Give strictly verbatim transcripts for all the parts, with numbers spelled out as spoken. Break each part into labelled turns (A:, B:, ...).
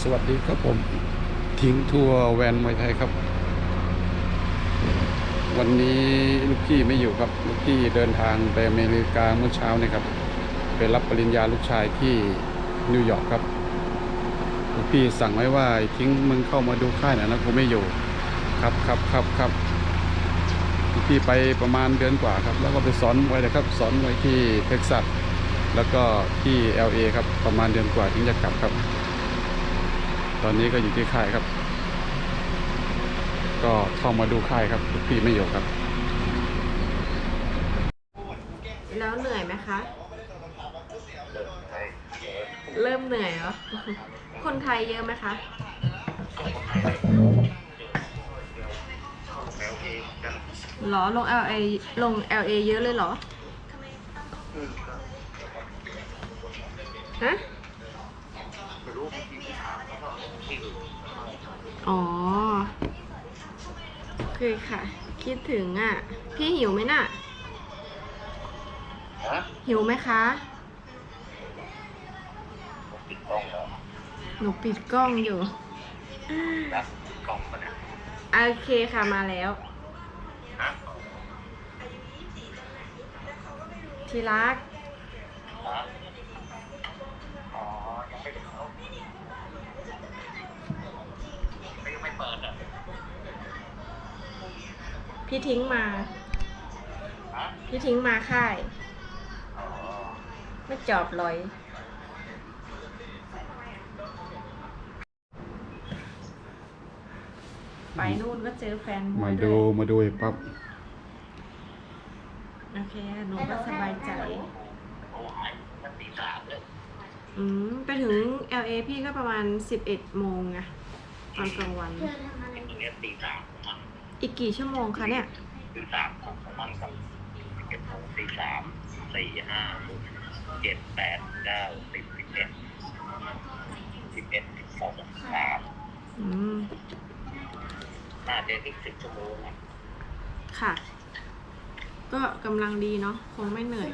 A: สวัสดีครับผมทิ้งทัวร์แวนมวยไทยครับวันนี้ลูกพี่ไม่อยู่ครับลูกพี่เดินทางไปอเมริกาเมื่อเช้านี่ครับไปรับปริญญาลูกชายที่นิวยอร์กครับลูกพี่สั่งไว้ว่าทิ้งมึงเข้ามาดูค่ายหน่อยนะกูไม่อยู่ครับครับครับครับลูกพี่ไปประมาณเดือนกว่าครับแล้วก็ไปสอนมวยเลยครับสอนมวยที่เท็กซัสแล้วก็ที่ แอล เอ ครับประมาณเดือนกว่าถึงจะกลับครับตอนนี้ก็อยู่ที่ค่ายครับก็เข้ามาดูค่ายครับลูกพี่ไม่อยู่ครับ
B: แล้วเหนื่อยไหมคะเริ่มเหนื่อยเหรอคนไทยเยอะไหมคะหรอลง แอล เอ ลง แอล เอ เยอะเลยเหรอฮะอ๋อคือค่ะคิดถึงอ่ะพี่หิวไหมน่ะหิวไหมคะหนูปิดกล้องอยู่โอเคค่ะมาแล้วที่รักพี่ทิ้งมาพี่ทิ้งมาค่ายไม่จอบลอยไปนู่นก็เจอแฟน
A: มาดูมาดูไอ้ปั๊บ
B: โอเคหนูก็สบายใจอืมไปถึง แอล เอ พี่ก็ประมาณสิบเอ็ดโมงไงตอนกลางวันอีกกี่ชั่วโมงคะเนี่ย
C: ตีสามของมันกับเก็บโมงตีสามสี่ห้าหกเจ็ดแปดเก้าสิบสิบเอ็ดสิบเอ็ดสิบสองสาม
B: อืม
C: น่าจะอีกสิบชั่วโมง
B: ค่ะ ก็กำลังดีเนาะคงไม่เหนื่อย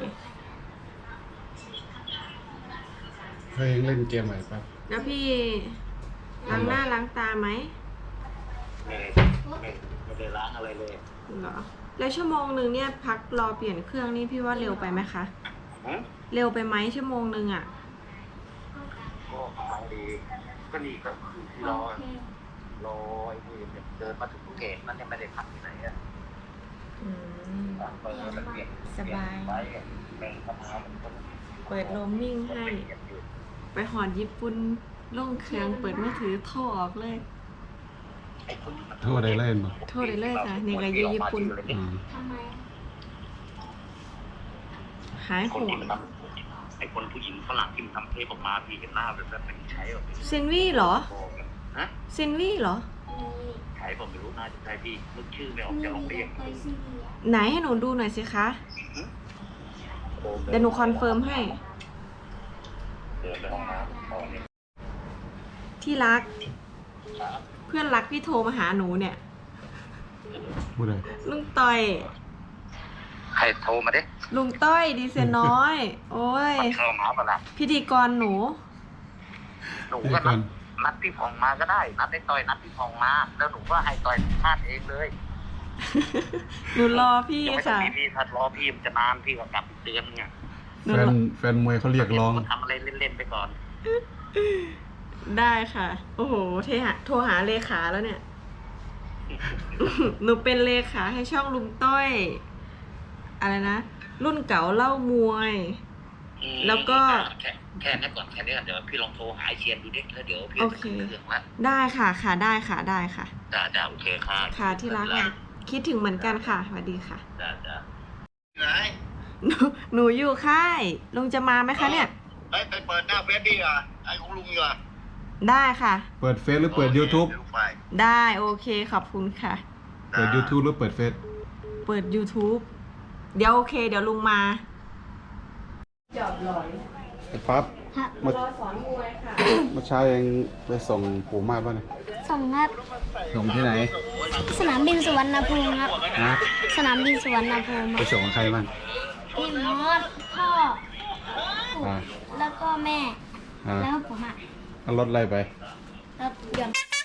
A: เคยเล่นเกมไหมปั๊บ
B: แล้วพี่ล้างหน้าล้างตาไหม
C: ไม่ไม่ไม่ได้ล้างอะไรเลย
B: เหรอแล้วชั่วโมงหนึ่งเนี่ยพักรอเปลี่ยนเครื่องนี่พี่ว่าเร็วไปไหมคะเร็วไปไหมชั่วโมงหนึ่งอ่ะ
C: ก็ทางดีก็ดีก็คือรอรอไอ้นี่เดินมาถึงเกตนั่นยังไม่ได้พักที่ไหนอ่ะเปิดมันเปลี่ยน
B: สบาย
C: แบ่งเข้ามามันก็
B: เปิดโรมมิ่งให้ไปหอดญี่ปุ่นล่งเครื่องเปิดมือถือโทรออกเลย
A: โทรได้เล่นป่ะ
B: โทรได้เลยค่ะนี่ก็อยู่ญี่ปุ่นหายโหด
C: ไอ้คนผู้หญิงฝรั่งที่มันทำเทปออกมาพี่เห็นหน้าแบบนั้นเป็นใช้แบบ
B: เซนวี่เหรอ
C: ฮะ
B: เซนวี่เหรอ
C: ใช้ผมไม่รู้น่าจะใช่พี่นึกชื่อไม่ออกจะลองเรียก
B: ไหนให้หนูดูหน่อยสิคะเดี๋ยวหนูคอนเฟิร์มให้ที่รักเพื่อนรักพี่โทรมาหาหนูเนี่ย
A: พูดอะไร
B: ลุงต้อย
C: ใครโทรมาดิ
B: ลุงต้อยดีเซนน้อยโอ้ย
C: เข้ามาปะล่ะ
B: พิธีกรหนู
C: หนูก็นัดนัดพี่พองมาก็ได้นัดไอ้ต้อยนัดพี่พองมาแล้วหนูก็ให้ต้อยพลาดเองเลย
B: หนูรอพี่ค่ะ
C: พี่ถ้ารอพี่มันจะนานพี่ก็กลับเดือนไง
A: แฟนแฟนมวยเขาเรียกร้อง
C: ทำอะไรเล่นๆไปก่อน
B: ได้ค่ะโอ้โหเทหะโทรหาเลขาแล้วเนี่ยหนูเป็นเลขาให้ช่องลุงต้อยอะไรนะรุ่นเก่าเล่ามวยแล้วก็
C: แค่แค่นี้ก่อนแค่นี้ก่อนเดี๋ยวพี่ลองโทรหาเชียนดูดิแล้วเดี๋ยวพี่
B: จะขึ้นเครื่องละได้ค่ะค่ะได้ค่ะได้ค่ะ
C: จ้าจ้าโอเคค่ะ
B: ค่ะที่รักคิดถึงเหมือนกันค่ะสวัสดีค่ะ
C: จ้าจ้า
B: ไหนหนูหนูอยู่ค่ายลุงจะมาไหมคะเนี่ย
C: ไปไปเปิดหน้าเฟซดิอ่ะไอ้ของลุงอยู่อ่ะ
B: ได้ค่ะ
A: เปิดเฟซหรือเปิด YouTube
B: ได้โอเคขอบคุณค่ะ
A: เปิด YouTube หรือเปิดเฟซ
B: เปิด YouTube เดี๋ยวโอเคเดี๋ยวลุงมาจอบลอย
A: ไอ้ปั๊บมารอสอนมวยค่ะเมื่อเช้ายังไปส่งปู่มาดป่ะเนี่ย
D: ส่งครับ
A: ส่งที่ไหน
D: สนามบินสุวรรณภูมิครับ
A: นะ
D: สนามบินสุวรรณภูมิ
A: ไปส่งใครบ้าง
D: พี่มอสพ่อแล้วก็แม่แล้วผมอ่ะ
A: เอารถอะไรไป
D: ครับหย่อน